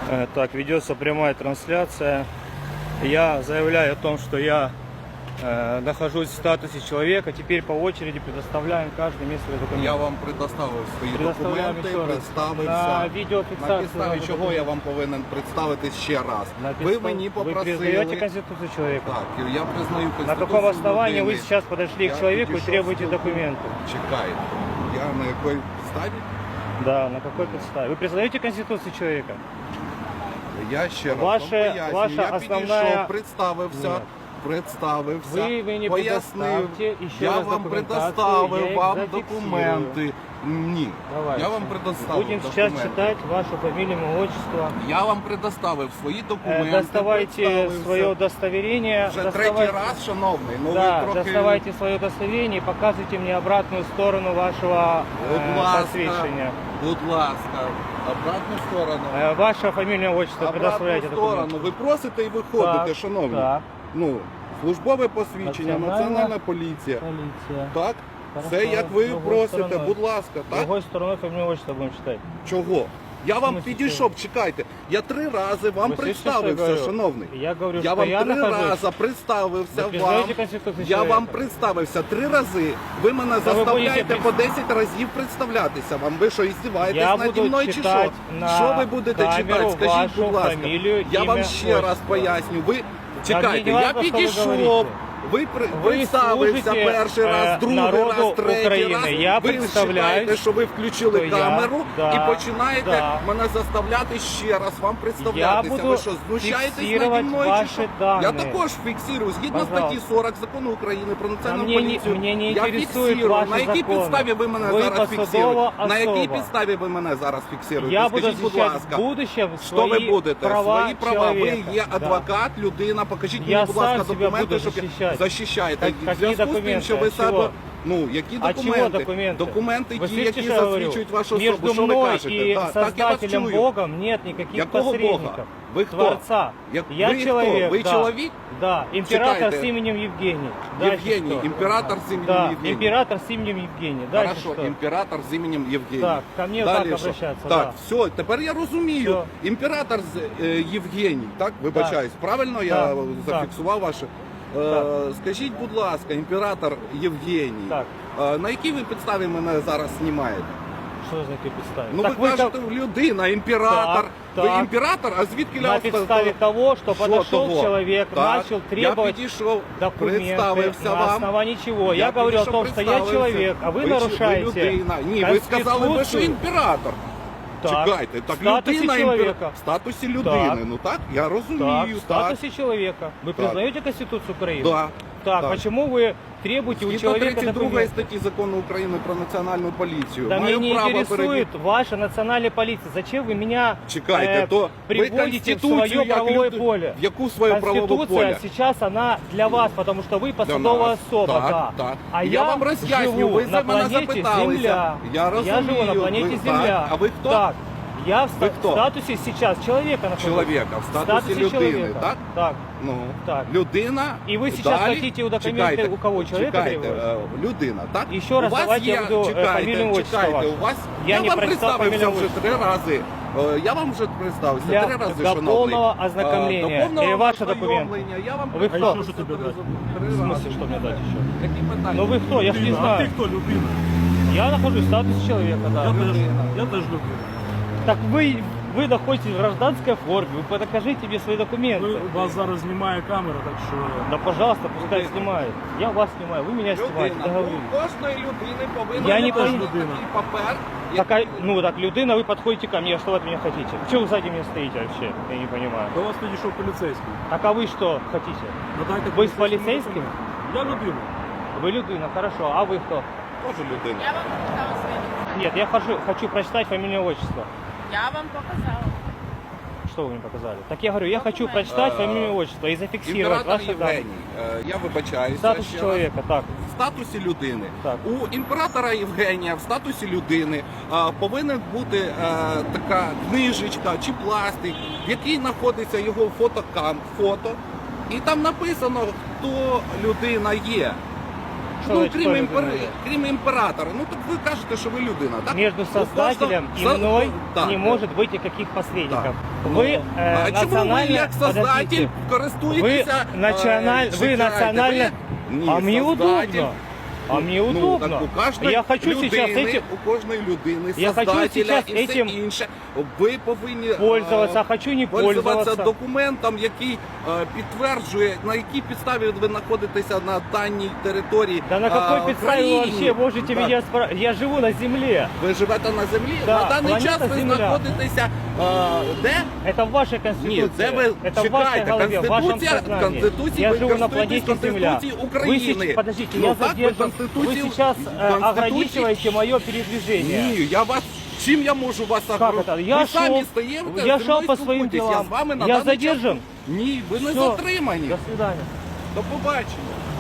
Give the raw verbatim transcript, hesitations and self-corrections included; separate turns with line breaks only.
Э, Так, ведется прямая трансляция. Я заявляю о том, что я э, нахожусь в статусе человека. Теперь по очереди предоставляем каждый мне свои документы.
Я вам предоставив свої
Предоставляємо
документи,
ще раз.
представився.
На відеофіксацію
На підставі
ваших
чого
документів.
я вам повинен представитись ще раз.
На
Ви
підстав-
мені
Вы признаете
попросили...
Конституцию человека?
Так, я признаю Конституцію
На каком основании
людини.
вы сейчас подошли
Я
к человеку и
підійшов
требуете
з-
документы?
Чекайте. Я на якій підставі?
Да, на какой подставе? Вы признаете Конституцию человека?
Я ще раз
Ваше-
вам поясню.
ваша
я
основная-
підійшов, представився.
Нет.
Представився,
Ви мені
пояснив,
предоставте ще
я
раз
вам
документацію, я
предоставив
їх
вам
зафіксую.
документи. Ні,
Давайте.
я вам предоставив
Будем сейчас
документи.
читать вашу фамилию, имя, отчество.
Я вам предоставив свої
Э,
документи.
Доставайте
представився.
свое удостоверение.
Вже
доставайте-
третій раз, шановний. Ну
Да,
ви трохи...
доставайте свое удостоверение и показывайте мне обратную сторону вашего
Будь
э,
ласка,
посвящения.
будь ласка, обратну сторону.
Э, Ваше фамильное отчество
Обратну
предоставляйте
сторону.
документы.
Ви просите і виходите,
Так,
шановні.
так.
Ну, службове посвідчення,
Національна
національна поліція.
Полиция.
Так?
Хорошо,
Це як ви
другою
просите,
стороною.
будь ласка, так?
Другой стороной фамильное отчество будем читать.
Чого? Я вам
смысле
підійшов, чекайте. Я три рази вам
Ви слышите, що я
представився,
говорю?
шановний.
Я говорю,
Я
що
вам
я
три
нахожусь.
рази представився
Ви
вам.
признаєте Конституцію
Я
чоловіка?
вам представився три рази. Ви мене
Та ви
заставляєте
будете
по десять разів представлятися. Вам ви що, іздіваєтесь
Я
наді
буду
мною чи що?
читати на
Що ви будете
камеру
читати? Скажіть,
вашу
будь ласка.
фамілію,
Я вам
ім'я,
ще раз
отчество.
поясню. Ви
мені
чекайте,
не
я
важно, що ви
підійшов.
говорите.
Ви при-
Ви
представився
служите,
перший
е,
раз, другий
народу
раз, третій
України.
раз.
Я
ви
представляюсь,
вважаєте, що ви включили
що я-
камеру
да,
і починаєте
да.
мене заставляти ще раз вам
Я
представлятися.
буду
Ви що, знущаєтесь наді
фіксувати
мною чи
ваші
що?
дані.
Я також фіксую. Згідно
Пожалуйста.
статті сорок Закону України про національну
А мені не-
поліцію,
мені не
я
інтересують
фіксую.
ваші
На якій
закони.
підставі ви мене
Ви
зараз
посадова
фіксуєте? На якій
особа.
підставі ви мене зараз фіксуєте?
Я буду
Скажіть, будь
сейчас
ласка.
в будущем
Що
свои
ви будете?
права
Свої права. Ви
человека.
є
Да.
адвокат, людина. Покажіть
Я
мені, будь ласка,
сам себя
документи,
буду
щоб
защищать.
захищаєте.
Как-
В
какие
зв'язку з тим,
документы?
що ви
От
себе...
чего?
Ну, які
А
документи?
чего документы?
Документи
Вы
ті,
слышите,
які
что я говорю?
засвідчують вашу особу.
Между
Що ви
мной
кажете?
и
Так, так, я вас
Создателем
чую.
Богом нет никаких
Якого
посредников.
Бога? Ви хто?
Творца.
Як-
Я
ви
человек,
хто? Ви
да.
чоловік?
Да, император
Чекайте.
с именем Евгений. Дальше
Євгеній,
что?
імператор з іменем
Да,
Євгеній.
император с именем Евгений. Дальше
Хорошо,
что?
імператор з іменем Євгеній.
Так, ко мне
Далі
так
що?
обращаться,
Так,
да.
все, тепер я розумію.
Все.
Імператор з е, Євгеній, так? Вибачаюсь, правильно я
Так,
зафіксував ваше? Е,
Так.
Скажіть, будь ласка, імператор Євгеній,
Так.
е, на якій ви підставі мене зараз знімаєте?
Что за такие підстави?
Ну
Так
ви
вы
кажете, людина, імператор.
Так,
Ви
так.
імператор, а звідки
на
ля-
підставі того, что
Що
подошел
того?
человек,
Так,
начал требовать
я підійшов,
документы
представився
на
вам.
основании чего? Я,
Я
говорю о
підійшов,
том, что я
представився.
человек, а вы,
чи-
нарушаете
ви людина. Ні, ви сказали, ви що
Конституцию.
імператор.
Так,
Чекайте, так
в статусі
людина
чоловіка.
імпер... в статусі людини.
Так.
Ну так, я розумію.
Так, в
так.
статусе человека. Вы
Так.
признаете Конституцию Украины?
Да.
Так,
Так.
почему вы требуете у
Згідно
человека
тридцять другої
документы?
статті Закону України про національну поліцію.
Да
Маю
меня не
право
интересует
перевірити.
ваша национальная полиция. Зачем вы меня
Чекайте,
э,
то ви
приводите в
Конституцію
свое
як
правовое
люди-
поле?
В яку своє правове
Конституция
поле?
сейчас она для вас, потому что вы
Для
посадовая
нас.
особа,
Так,
да.
так.
А
Я
я,
вам роз'ясню,
живу
ви
на
за мене
планете
запиталися.
Земля.
Я розумію.
живу на планете
Ви-
Земля.
так. А ви хто?
Так. Я в, ста-
Ви хто?
в статусе сейчас человека нахожусь.
Чоловіка, в
В
статусі людини,
человека.
так?
Так.
Ну,
Так.
людина.
І ви сейчас
далі,
хотите у документи
чекайте,
у кого, чоловіка
чекайте,
требувати?
е, людина, так?
І ще раз
у вас
давайте
є,
я буду, е,
чекайте,
фамілію, отчество
чекайте,
ваше.
у вас,
Я
я,
не
вам
представ
представився
фамілію,
вже
отчество.
три рази. Е, Я вам вже представився
Для-
три рази,
для
шановний.
повного
Е,
ознакомления.
До повного
Или ваши
ознайомлення. Я вам
Вы кто?
представився
А що
три
тобі дати?
три
В
рази.
смысле, что мне дать еще?
Які питання?
Ну вы кто? Я ж не
Людина, а ти
знаю.
хто людина?
Я нахожусь в статусе человека,
Я
да.
теж, я теж людина.
Так вы, вы находитесь в гражданской форме, вы покажите мне свои документы.
Ви, вас зараз знімає камера, так що
Да пожалуйста, пускай снимает. Я вас снимаю, вы меня снимаете,
Людина.
договорились.
У кожної людини повинен
Я не
бути
пойму.
такий папер.
Так, а- ну так, людина, вы подходите ко мне, что вы от меня хотите? Чего вы сзади меня стоите вообще? Я не понимаю.
до вас підійшов поліцейський.
Так а вы что хотите?
Надайте
Ви з
поліцейському
поліцейським?
документ. Я людина.
Вы людина, хорошо, а вы кто?
Тоже людина.
Я вам показала свои документы.
Нет, я хочу, хочу прочитать фамилию, отчество.
Я вам показала.
Что вы мне показали? Так я говорю, я хочу прочитать
Э,
фамилию, отчество и зафиксировать
Імператор
ваши данные.
Євгеній, е, я вибачаюся.
В статусе
ще раз.
человека, так.
В статусі людини.
Так.
У імператора Євгенія в статусі людини е, повинна бути е, така книжечка чи пластик, в якій знаходиться його фотокам, фото. І там написано, хто людина є. ну
что
крім,
что
імпер...
вы
крім імператора, ну так ви кажете, що ви людина, так?
Между
У кожного-
создателем и
Со-
мной
Так.
не может быть никаких посредников.
Так.
Вы
Ну,
э,
а чому ви
национально...
як создатель
Подождите.
користуєтеся?
Вы националь...
е,
Вы
чекайте,
национально...
ви- Ні,
А мне
создатель.
удобно. А мне
Ну,
удобно.
так у кожної
Я хочу
людини,
сейчас этим
у кожної людини,
Я хочу
создателя
сейчас
і все
этим
інше, ви повинні
пользоваться,
е,
а хочу не
пользуватися
пользоваться.
документом, який е, підтверджує, на якій підставі ви знаходитеся на даній території.
Да на какой
е,
подставе вы
країни.
вообще можете
Так.
меня спрашивать? Я живу на земле.
Ви живете на землі?
Да,
на даний
планета
час ви
Земля.
знаходитеся е, де?
Это в вашей конституции.
Ні, це ви
Это в вашей
чекайте.
голове, в вашем
Конституція,
сознании.
Конституції,
Я
ви
живу на
користуєтесь
планете Земля.
Конституції
Вы
України.
сейчас, подождите,
Ну,
я
так, ви
задержан. Вы
Конституцію-
сейчас э,
Конституції-
ограничиваете мое передвижение.
Ні, я вас. Чим я можу вас
Как
ограничити?
это? Я
Ви самі
шел,
стаєте,
я
зі
шел
мною
по своим
спілкуєтесь. Я
делам.
з вами на
Я
даний час-
задержан?
Ні, ви не
Всё.
затримані.
До свидания.
До побачення.